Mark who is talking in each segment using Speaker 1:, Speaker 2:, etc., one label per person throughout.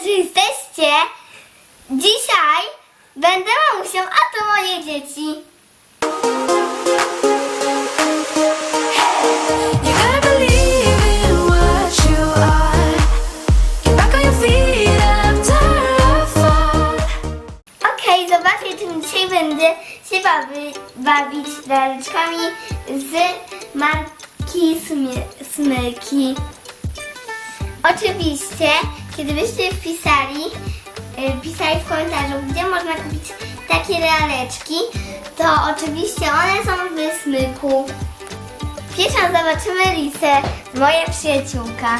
Speaker 1: że jesteście. Dzisiaj będę mamusią, a to moje dzieci.
Speaker 2: You gotta believe in what you are. Get back on your feet after a fall.
Speaker 1: Okej, zobaczcie, czym dzisiaj będę się bawić laleczkami z marki Smyki. Oczywiście, kiedy byście pisali w komentarzu, gdzie można kupić takie laleczki, to oczywiście one są w Smyku. Pierwszą zobaczymy Lisę, moja przyjaciółka.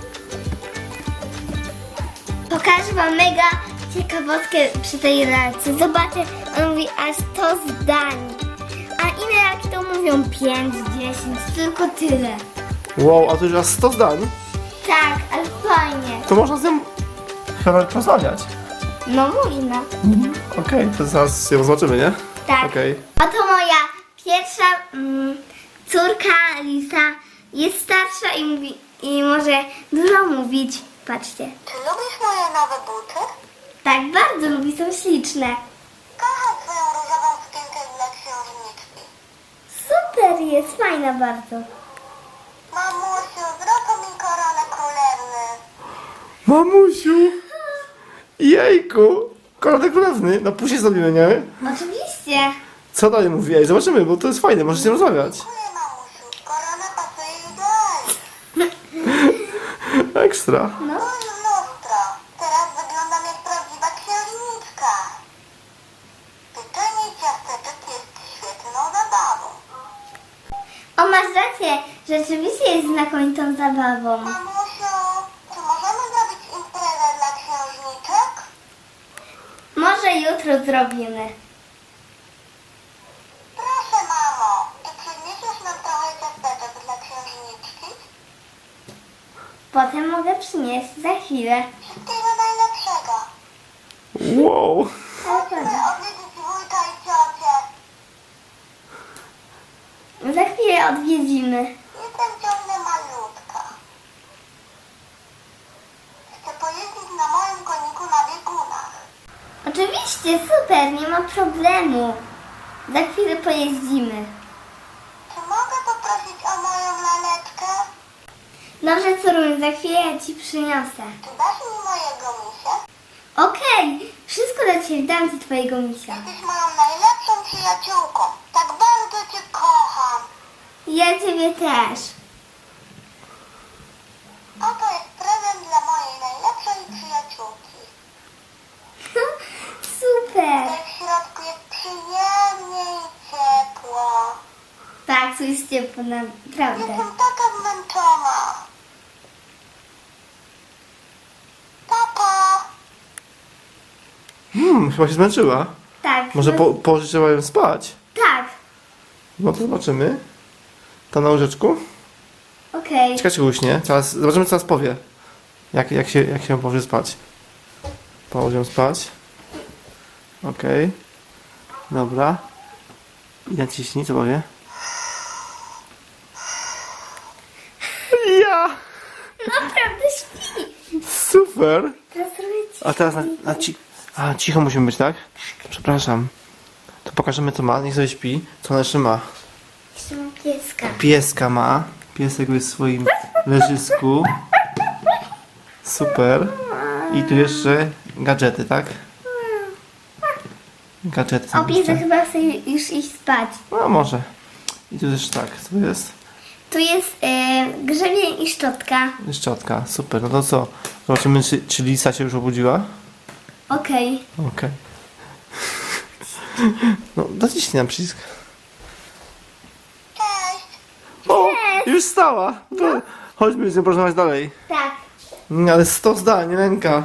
Speaker 1: Pokażę wam mega ciekawostkę przy tej lalce. Zobaczcie, on mówi aż 100 zdań. A inne lalki to mówią 5, 10, tylko tyle.
Speaker 3: Wow, a to już aż 100 zdań?
Speaker 1: Tak, ale fajnie.
Speaker 3: To można z nią chyba nawet rozmawiać.
Speaker 1: No można.
Speaker 3: Okej, to zaraz ją zobaczymy, nie?
Speaker 1: Tak.
Speaker 3: Okej.
Speaker 1: Oto moja pierwsza córka Lisa. Jest starsza i może dużo mówić. Patrzcie.
Speaker 4: Czy lubisz moje nowe buty?
Speaker 1: Tak, bardzo lubi, są śliczne.
Speaker 4: Kocham twoją różową sukienkę dla księżniczki.
Speaker 1: Super jest, fajna bardzo.
Speaker 4: Mamusiu, zrób mi koronę królewny.
Speaker 3: Mamusiu! Jejku! Koronę królewny. No później zrobimy, nie?
Speaker 1: Oczywiście.
Speaker 3: Co dalej mówi? Ej, zobaczymy, bo to jest fajne, możecie rozmawiać.
Speaker 4: Dziękuję, mamusiu. Korona pasuje idealnie.
Speaker 3: Ekstra.
Speaker 1: No.
Speaker 4: Oj, lustro. Teraz wyglądam jak prawdziwa księżniczka. Pieczenie ciasteczek jest świetną zabawą.
Speaker 1: O, masz rację, rzeczywiście jest znakomitą zabawą.
Speaker 4: Mamusiu, czy możemy zrobić imprezę dla księżniczek?
Speaker 1: Może jutro zrobimy.
Speaker 4: Proszę, mamo. Czy przyniesiesz nam trochę ciasteczek dla księżniczki?
Speaker 1: Potem mogę przynieść za chwilę.
Speaker 4: Wszystkiego najlepszego.
Speaker 3: Wow!
Speaker 4: Chodźmy odwiedzić wujka i ciocię.
Speaker 1: Za chwilę odwiedzimy.
Speaker 4: Jestem ciągle malutka. Chcę pojeździć na moim koniku na biegunach.
Speaker 1: Oczywiście, super, nie ma problemu. Za chwilę pojeździmy.
Speaker 4: Czy mogę poprosić o moją laleczkę?
Speaker 1: Dobrze, córuniu, za chwilę ja ci przyniosę.
Speaker 4: Czy dasz mi mojego misia?
Speaker 1: Okej, wszystko dla ciebie, dam ci twojego misia.
Speaker 4: Jesteś moją najlepszą przyjaciółką. Tak bardzo cię kocham.
Speaker 1: Ja ciebie też.
Speaker 4: Oto jest prezent dla mojej najlepszej przyjaciółki.
Speaker 1: Super.
Speaker 4: Tutaj w środku jest przyjemnie i ciepło.
Speaker 1: Tak, tu jest ciepło, naprawdę.
Speaker 4: Jestem taka zmęczona. Papa.
Speaker 3: Chyba się zmęczyła.
Speaker 1: Tak.
Speaker 3: Może
Speaker 1: no,
Speaker 3: położyć trzeba ją spać?
Speaker 1: Tak,
Speaker 3: No to zobaczymy. Ta na łóżeczku.
Speaker 1: okej.
Speaker 3: Czekajcie, uśnie. Zobaczymy, co nas powie. Jak się położy spać. Położy ją spać. Okej. Dobra. I naciśnij, co powie? Ja!
Speaker 1: Naprawdę śpi.
Speaker 3: Super!
Speaker 1: Teraz robię ci.
Speaker 3: A teraz cicho musimy być, tak? Przepraszam. To pokażemy, co ma. Niech sobie śpi. Co ona jeszcze ma?
Speaker 1: Jeszcze mam pieska.
Speaker 3: Pieska ma. Piesek jest w swoim leżysku. Super. I tu jeszcze gadżety, tak? Gadżety
Speaker 1: O,
Speaker 3: są
Speaker 1: piesek
Speaker 3: jeszcze.
Speaker 1: chyba chce już iść spać.
Speaker 3: No może. I tu też tak, co jest?
Speaker 1: Tu jest grzebień i szczotka.
Speaker 3: Szczotka, super. No to co? Zobaczymy, czy Lisa się już obudziła?
Speaker 1: Okej.
Speaker 3: Okej. No, naciśnij na przycisk.
Speaker 4: Cześć.
Speaker 3: O, już stała. To chodźmy z nią porozmawiać dalej.
Speaker 1: Tak.
Speaker 3: Ale 100 zdań, ręka.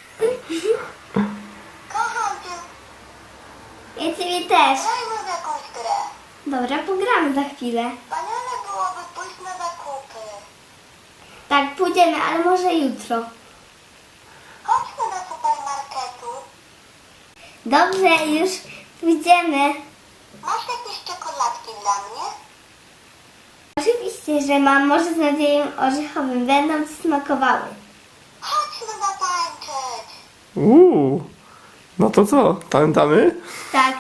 Speaker 4: Kocham cię.
Speaker 1: Ja ciebie też.
Speaker 4: Grajmy w jakąś grę.
Speaker 1: Dobra, pogramy za chwilę.
Speaker 4: Wspaniale byłoby pójść na zakupy.
Speaker 1: Tak, pójdziemy, ale może jutro.
Speaker 4: Chodźmy do supermarketu.
Speaker 1: Dobrze, już pójdziemy.
Speaker 4: Masz jakieś czekoladki dla mnie?
Speaker 1: Oczywiście, że mam, może z nadzieją orzechowym. Będą ci smakowały.
Speaker 4: Chodźmy zatańczyć.
Speaker 3: No to co? Pamiętamy?
Speaker 1: Tak.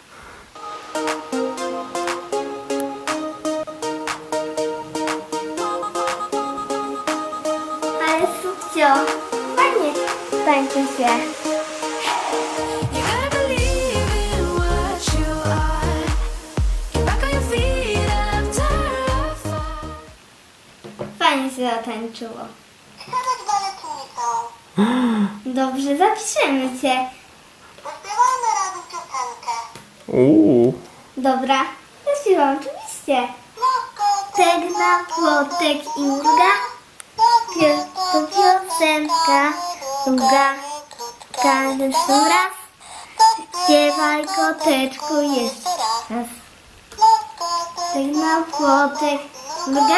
Speaker 1: Ale subcio, fajnie tańczy się.
Speaker 2: You gotta believe in what you are. Get back on your feet after a fall.
Speaker 1: Fajnie się zatańczyło.
Speaker 4: Chcę być baletnicą.
Speaker 1: Dobrze, zapiszemy cię.
Speaker 4: Zaśpiewajmy razem piosenkę.
Speaker 1: Dobra, zaśpiewam oczywiście. Tek na płotek i mruga, to piosenka długa. Każdy raz, śpiewaj koteczku jeszcze raz. Tek na płotek mruga,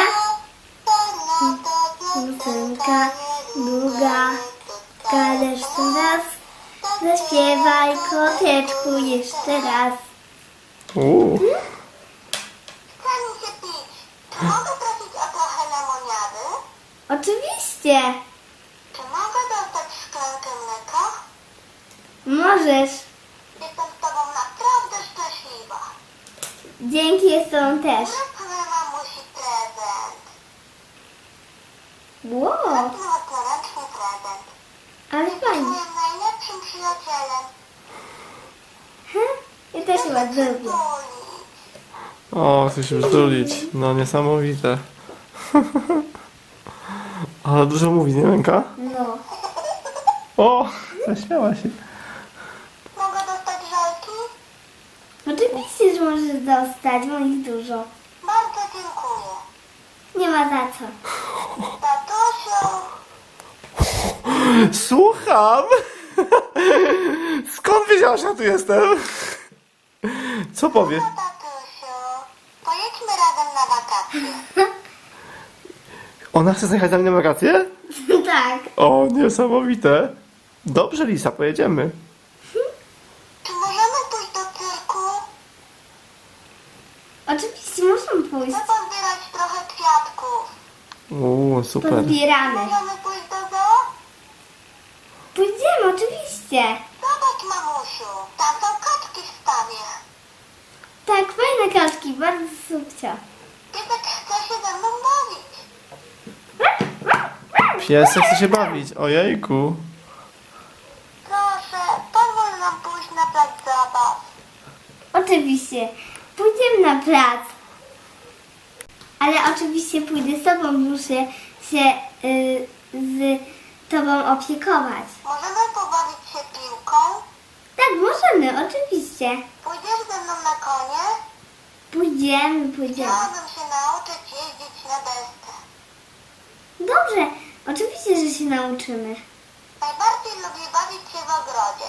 Speaker 1: piosenka długa. Każdy raz, zaśpiewaj koteczku jeszcze raz.
Speaker 4: Chce mi się pić. Czy mogę prosić o trochę lemoniady?
Speaker 1: Oczywiście,
Speaker 4: Czy mogę dostać szklankę mleka?
Speaker 1: możesz.
Speaker 4: Jestem z tobą naprawdę szczęśliwa.
Speaker 1: Dzięki, jestem też.
Speaker 4: Zróbmy mamusi prezent.
Speaker 1: Wow,
Speaker 4: Zróbmy własnoręczny prezent.
Speaker 1: ale
Speaker 4: Jesteś
Speaker 1: fajnie.
Speaker 4: moim najlepszym przyjacielem.
Speaker 1: Ja też chyba zrobię.
Speaker 4: Uli.
Speaker 3: O, chcę się przytulić. No niesamowite. Ale dużo mówi, nie Lenka?
Speaker 1: No.
Speaker 3: O, zaśmiała się.
Speaker 4: Mogę dostać żelki?
Speaker 1: Oczywiście, że możesz dostać, bo ich dużo.
Speaker 4: Bardzo dziękuję.
Speaker 1: Nie ma za co.
Speaker 4: Tatusiu,
Speaker 3: Słucham! Skąd wiedziałaś, że ja tu jestem? Co powie?
Speaker 4: no tatusiu, pojedźmy razem na wakacje.
Speaker 3: Ona chce zjechać za mnie na wakacje?
Speaker 1: Tak.
Speaker 3: O, niesamowite. Dobrze, Lisa, pojedziemy.
Speaker 4: Czy możemy pójść do cyrku?
Speaker 1: Oczywiście możemy pójść.
Speaker 4: Chcę pozbierać trochę kwiatków.
Speaker 3: Super.
Speaker 1: Pozbieramy.
Speaker 4: Możemy pójść do zoo?
Speaker 1: Pójdziemy, oczywiście.
Speaker 4: Zobacz, mamusiu, tam są kaczki w stawie.
Speaker 1: Tak, fajne kaczki, bardzo subcio.
Speaker 4: Piesek chce się ze mną bawić.
Speaker 3: Piesek chce się bawić. Ojejku.
Speaker 4: Proszę, pozwól nam pójść na plac zabaw.
Speaker 1: Oczywiście. Pójdziemy na plac. Ale oczywiście pójdę z tobą, muszę się z tobą opiekować.
Speaker 4: Możemy pobawić się piłką?
Speaker 1: Tak, możemy, oczywiście.
Speaker 4: Pójdziesz ze mną na konie?
Speaker 1: Pójdziemy.
Speaker 4: Chciałabym się nauczyć jeździć na desce.
Speaker 1: Dobrze, oczywiście, że się nauczymy.
Speaker 4: Najbardziej lubię bawić się w ogrodzie.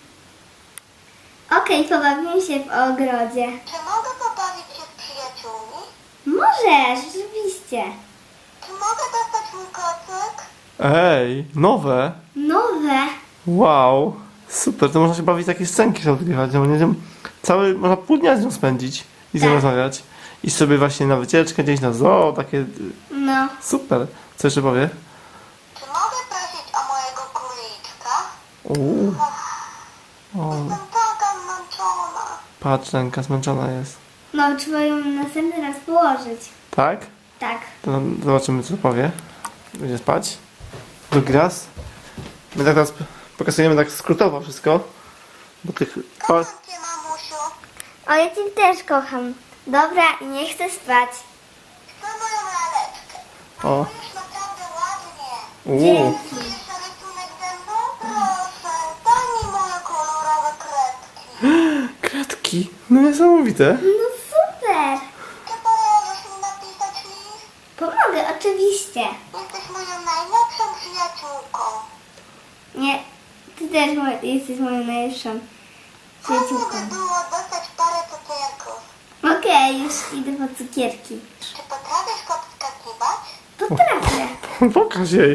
Speaker 1: Okej, pobawimy się w ogrodzie.
Speaker 4: Czy mogę pobawić się z przyjaciółmi?
Speaker 1: Możesz, oczywiście.
Speaker 4: Czy mogę dostać mój kocyk?
Speaker 3: Ej, nowe.
Speaker 1: Nowe.
Speaker 3: Wow. Super, to można się bawić takie scenki sobie odgrywać. No, nie wiem, można pół dnia z nią spędzić i z nią
Speaker 1: Tak.
Speaker 3: rozmawiać. Iść sobie właśnie na wycieczkę, gdzieś na zoo, takie...
Speaker 1: No.
Speaker 3: Super. Co jeszcze powie?
Speaker 4: Czy mogę prosić o mojego króliczka?
Speaker 3: Uuu. O,
Speaker 4: Jestem taka zmęczona.
Speaker 3: patrz, Lenka zmęczona jest.
Speaker 1: No, trzeba ją następny raz położyć.
Speaker 3: Tak?
Speaker 1: Tak.
Speaker 3: To zobaczymy, co powie. Będzie spać. Drugi raz. My tak teraz pokazujemy tak skrótowo wszystko. Bo tych...
Speaker 4: Kocham cię, mamusiu.
Speaker 1: O, ja cię też kocham. Dobra, i nie chcę spać.
Speaker 4: Chcę moją laleczkę.
Speaker 3: O.
Speaker 4: Malujesz naprawdę ładnie.
Speaker 3: Uuu.
Speaker 4: Czy jeszcze rysunek ze mną? Proszę, daj mi moje kolorowe kredki.
Speaker 3: Kredki. No niesamowite.
Speaker 1: No super.
Speaker 4: Czy pomożesz mi napisać list?
Speaker 1: Pomogę, oczywiście.
Speaker 4: Jesteś moją najlepszą przyjaciółką.
Speaker 1: Nie, ty też jesteś moją najlepszą
Speaker 4: Fajnie
Speaker 1: przyjaciółką.
Speaker 4: by było dostać parę cukierków.
Speaker 1: Okej, już idę po cukierki.
Speaker 4: Czy potrafisz podskakiwać?
Speaker 1: Potrafię.
Speaker 3: Pokaż jej.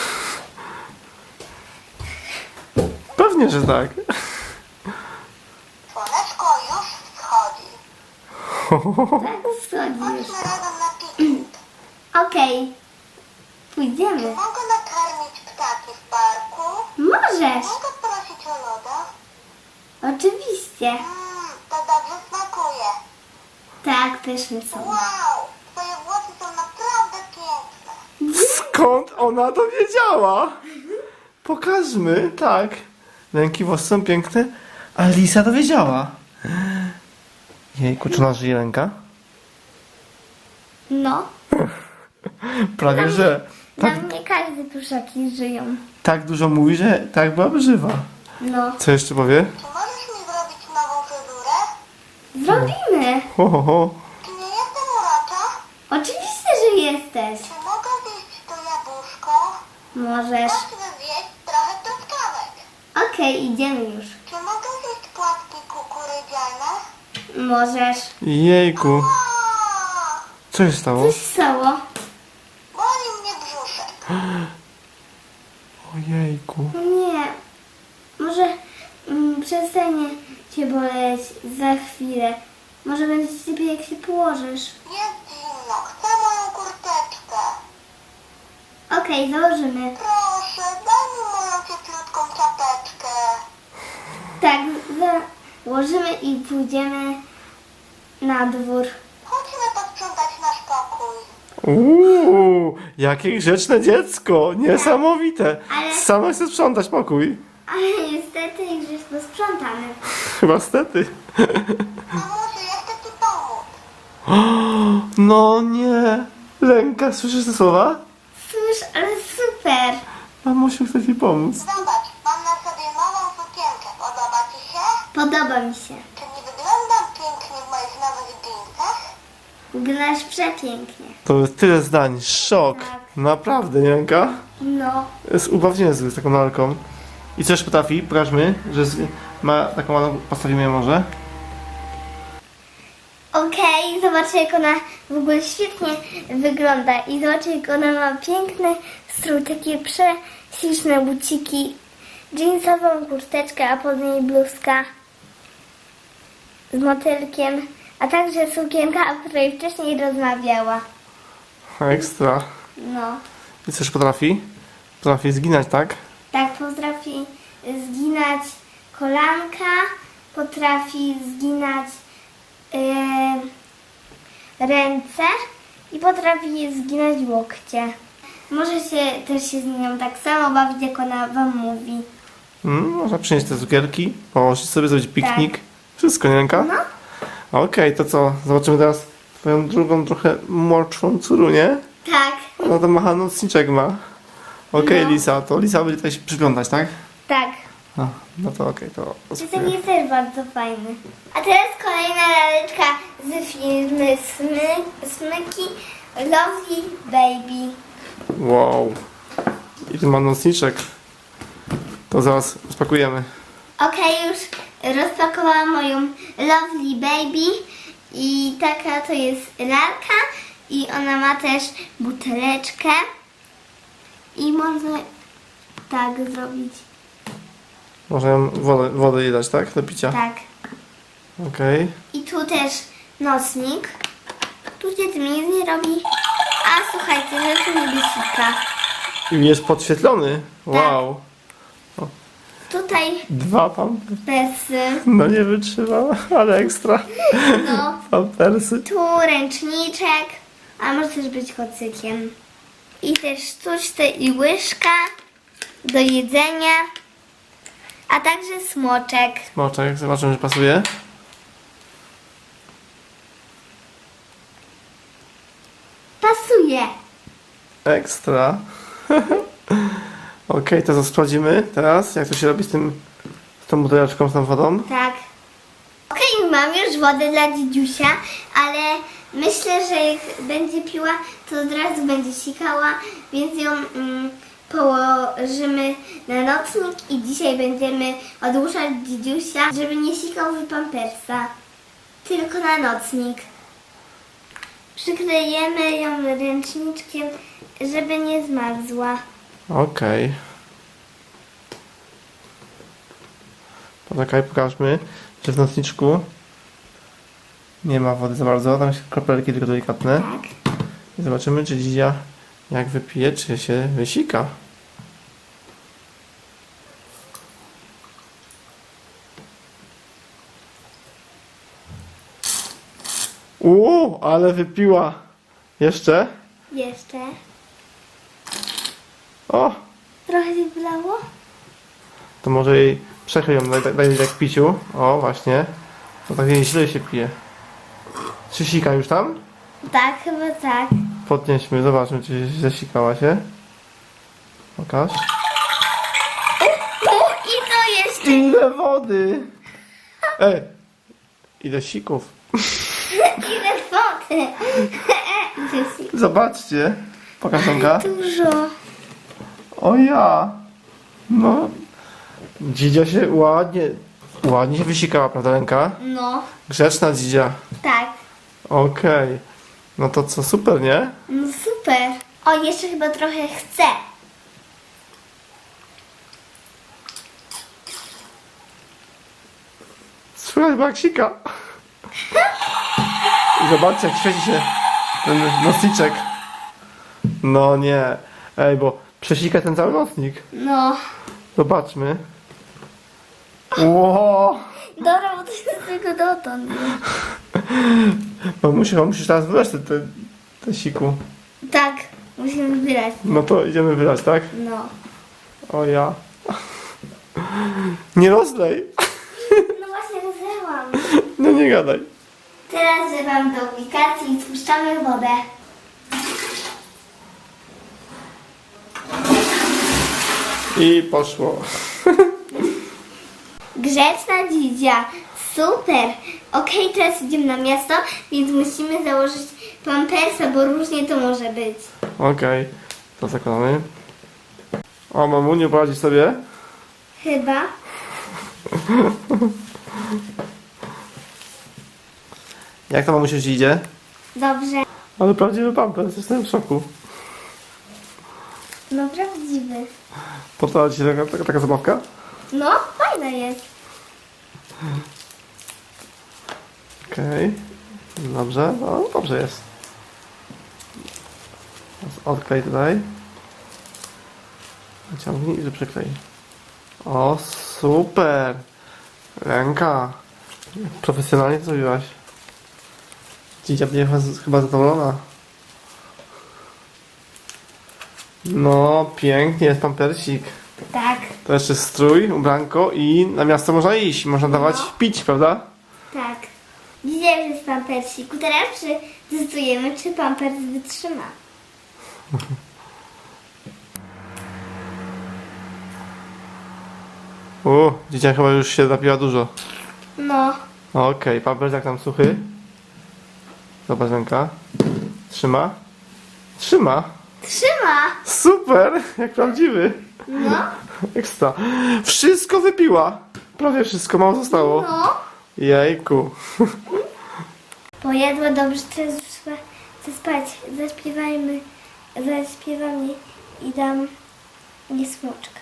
Speaker 3: Pewnie, że tak.
Speaker 4: Słoneczko już wschodzi.
Speaker 1: Tak, wschodzi już.
Speaker 4: Chodźmy razem na piknik.
Speaker 1: Okej. Pójdziemy.
Speaker 4: Mogę nakarmić ptaki w parku?
Speaker 1: Możesz.
Speaker 4: Mogę
Speaker 1: Oczywiście.
Speaker 4: To dobrze smakuje.
Speaker 1: Tak, pyszne są.
Speaker 4: Wow, twoje włosy są naprawdę piękne.
Speaker 3: Skąd ona to wiedziała? Pokażmy, tak. Ręki włosy są piękne, a Lisa to wiedziała. Jejku, czy ona żyje ręka?
Speaker 1: No.
Speaker 3: Prawie, że
Speaker 1: Dla
Speaker 3: tak,
Speaker 1: mnie każde pluszaki żyją.
Speaker 3: tak dużo mówi, że tak byłaby żywa.
Speaker 1: No.
Speaker 3: Co jeszcze powie?
Speaker 4: Czy możesz mi zrobić nową fryzurę?
Speaker 1: Zrobimy.
Speaker 3: Ho, ho, ho.
Speaker 4: Czy nie jestem urocza?
Speaker 1: Oczywiście, że jesteś.
Speaker 4: Czy mogę zjeść to jabłuszko?
Speaker 1: Możesz.
Speaker 4: Zacznę zjeść trochę truskawek.
Speaker 1: Okej, idziemy już.
Speaker 4: Czy mogę zjeść płatki kukurydziane?
Speaker 1: Możesz.
Speaker 3: Jejku,
Speaker 4: A,
Speaker 3: co się stało?
Speaker 1: Coś stało?
Speaker 4: boli mnie brzuszek.
Speaker 3: Ojejku.
Speaker 1: No nie. Może przestanie cię boleć za chwilę. Może będzie ci lepiej, jak się położysz.
Speaker 4: Jest zimno, chcę moją kurteczkę.
Speaker 1: Okej, założymy.
Speaker 4: Proszę, daj mi moją cieplutką czapeczkę.
Speaker 1: Tak, założymy i pójdziemy na dwór.
Speaker 4: Chodźmy posprzątać nasz pokój.
Speaker 3: Jakie grzeczne dziecko, niesamowite.
Speaker 1: Ale-
Speaker 3: Sama chce sprzątać pokój.
Speaker 1: Ale niestety już jest posprzątany.
Speaker 3: Chyba stety.
Speaker 4: Mamusiu, ja chcę ci pomóc.
Speaker 3: No nie. Ręka, słyszysz te słowa?
Speaker 1: Cóż, ale super.
Speaker 3: Mamusiu chce ci pomóc.
Speaker 4: Zobacz, mam na sobie nową sukienkę. Podoba ci się?
Speaker 1: Podoba mi się.
Speaker 4: Czy nie wyglądam pięknie w moich nowych dżinsach?
Speaker 1: Wyglądasz przepięknie.
Speaker 3: To jest tyle zdań. Szok.
Speaker 1: Tak.
Speaker 3: Naprawdę, nie ręka?
Speaker 1: No.
Speaker 3: Jest ubaw z taką lalką. I coś potrafi? Pokażmy, że ma taką ładną, postawimy ją może.
Speaker 1: Okej, zobaczcie jak ona w ogóle świetnie wygląda i zobaczcie jak ona ma piękny strój, takie prześliczne buciki, jeansową kurteczkę, a pod niej bluzka z motylkiem, a także sukienka, o której wcześniej rozmawiała.
Speaker 3: Ekstra.
Speaker 1: No,
Speaker 3: I coś potrafi? Potrafi zginać, tak?
Speaker 1: tak potrafi zginać kolanka, potrafi zginać ręce i potrafi zginać łokcie. Możecie też się z nią tak samo bawić, jak ona wam mówi.
Speaker 3: Można przynieść te cukierki, położyć sobie, zrobić piknik. Wszystko, nie ręka?
Speaker 1: No,
Speaker 3: Okej, to co? Zobaczymy teraz twoją drugą, trochę młodszą córunię.
Speaker 1: tak,
Speaker 3: Ona tam macha nocniczek ma. Okej,
Speaker 1: No.
Speaker 3: Lisa, to Lisa będzie tutaj się przyglądać, tak?
Speaker 1: tak.
Speaker 3: No to okej, to
Speaker 1: Czy ten
Speaker 3: spróbuję.
Speaker 1: jest też bardzo fajny. A teraz kolejna laleczka z firmy Smyki Lovely Baby.
Speaker 3: Wow. I tu ma nocniczek. To zaraz spakujemy.
Speaker 1: Okej, już rozpakowałam moją Lovely Baby i taka to jest lalka i ona ma też buteleczkę i można tak zrobić.
Speaker 3: Można ją wodę jej dać, tak? Do picia.
Speaker 1: Tak.
Speaker 3: Okej.
Speaker 1: I tu też nocnik. Tu się tym nic nie robi. A słuchajcie, że tu niebiesika.
Speaker 3: I jest podświetlony. Wow.
Speaker 1: Tutaj
Speaker 3: 2 tam.
Speaker 1: persy.
Speaker 3: No nie wytrzymała, ale ekstra.
Speaker 1: No.
Speaker 3: Pampersy.
Speaker 1: Tu ręczniczek, a może też być kocykiem. I też sztuczce i łyżka do jedzenia, a także smoczek.
Speaker 3: Smoczek, zobaczymy, że pasuje.
Speaker 1: Pasuje.
Speaker 3: Ekstra. Okej, to co sprawdzimy teraz, jak to się robi z tą buteleczką, z tą wodą.
Speaker 1: Tak. Okej, mam już wodę dla dzidziusia, ale myślę, że jak będzie piła, to od razu będzie sikała, więc ją położymy na nocnik i dzisiaj będziemy odłuszać dzidziusia, żeby nie sikał w pampersa, tylko na nocnik. Przyklejemy ją ręczniczkiem, żeby nie zmarzła.
Speaker 3: Okej. Poczekaj, pokażmy, że w nocniczku nie ma wody za bardzo, tam są kropelki tylko delikatne.
Speaker 1: Tak.
Speaker 3: I zobaczymy, czy Dzidzia jak wypije, czy się wysika. Ale wypiła. Jeszcze?
Speaker 1: Jeszcze.
Speaker 3: O,
Speaker 1: Trochę się wylało?
Speaker 3: to może jej przechyl ją, daj jej tak piciu. O, właśnie. To tak jej źle się pije. Czy sika już tam?
Speaker 1: Tak, chyba tak.
Speaker 3: Podnieśmy, zobaczmy, czy zasikała się. Pokaż.
Speaker 1: I to jeszcze.
Speaker 3: Ile wody! Ile sików.
Speaker 1: Ile wody.
Speaker 3: Zobaczcie. Pokaż Tomka.
Speaker 1: Dużo.
Speaker 3: O ja. No. Dzidzia się ładnie się wysikała, prawda Lenka?
Speaker 1: No,
Speaker 3: Grzeczna dzidzia.
Speaker 1: tak.
Speaker 3: Okej. No to co, super, nie?
Speaker 1: No super. O, jeszcze chyba trochę chcę.
Speaker 3: Słychać baksika. I zobaczcie, jak świeci się ten nocniczek. No nie. Ej, bo przesika ten cały nocnik.
Speaker 1: No.
Speaker 3: Zobaczmy. Ło!
Speaker 1: Dobra, bo to jest tylko dotąd.
Speaker 3: Musisz teraz wylać te siku.
Speaker 1: Tak, musimy wybierać.
Speaker 3: No to idziemy wylać, tak?
Speaker 1: No.
Speaker 3: O ja. Nie rozlej.
Speaker 1: No właśnie rozlewam.
Speaker 3: No nie gadaj.
Speaker 1: Teraz wlewam do aplikacji i spuszczamy wodę.
Speaker 3: I poszło.
Speaker 1: Grzeczna dzidzia. Super. Okej, teraz idziemy na miasto, więc musimy założyć pampersa, bo różnie to może być.
Speaker 3: Okej. To zakładamy. O, mamuniu, poradzi sobie?
Speaker 1: Chyba.
Speaker 3: Jak to mamusia ci idzie?
Speaker 1: Dobrze.
Speaker 3: Ale prawdziwy pampers, jestem w szoku.
Speaker 1: No prawdziwy.
Speaker 3: Podoba ci się taka zabawka?
Speaker 1: No, fajna jest.
Speaker 3: Okej. Dobrze, no dobrze jest. Teraz odklej tutaj. Naciągnij i przyklej. O, super! Ręka. Profesjonalnie to zrobiłaś. Dzidzia będzie chyba zadowolona. No, pięknie, jest pampersik.
Speaker 1: Tak.
Speaker 3: To jeszcze strój, ubranko i na miasto można iść. Można dawać
Speaker 1: No.
Speaker 3: pić, prawda?
Speaker 1: Tak. Dzisiaj jest pampersiku. Teraz testujemy, czy pampers wytrzyma.
Speaker 3: Dzieciak chyba już się napiła dużo.
Speaker 1: No.
Speaker 3: Okej, pampers jak tam suchy? Zobacz ręka. Trzyma? Trzyma!
Speaker 1: Trzyma.
Speaker 3: Super! Jak prawdziwy!
Speaker 1: No.
Speaker 3: Ekstra. Wszystko wypiła! Prawie wszystko, mało zostało.
Speaker 1: No.
Speaker 3: Jejku.
Speaker 1: Pojadła dobrze, teraz już trzeba zaspać. Zaśpiewam i dam nie smoczka.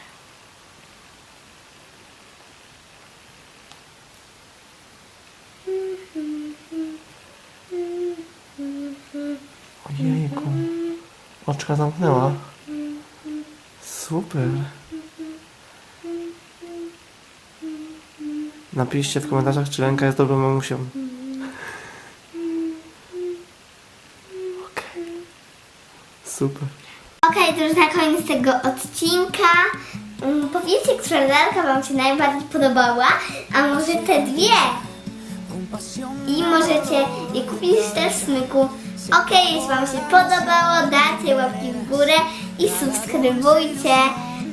Speaker 3: Ojejku. Oczka zamknęła. Super. Napiszcie w komentarzach, czy Lenka jest dobrą mamusią. Okej. Super.
Speaker 1: Okej, to już na koniec tego odcinka. Powiedzcie, która lalka Wam się najbardziej podobała, a może te dwie. I możecie je kupić też w smyku. Okej, jeśli Wam się podobało, dajcie łapki w górę i subskrybujcie.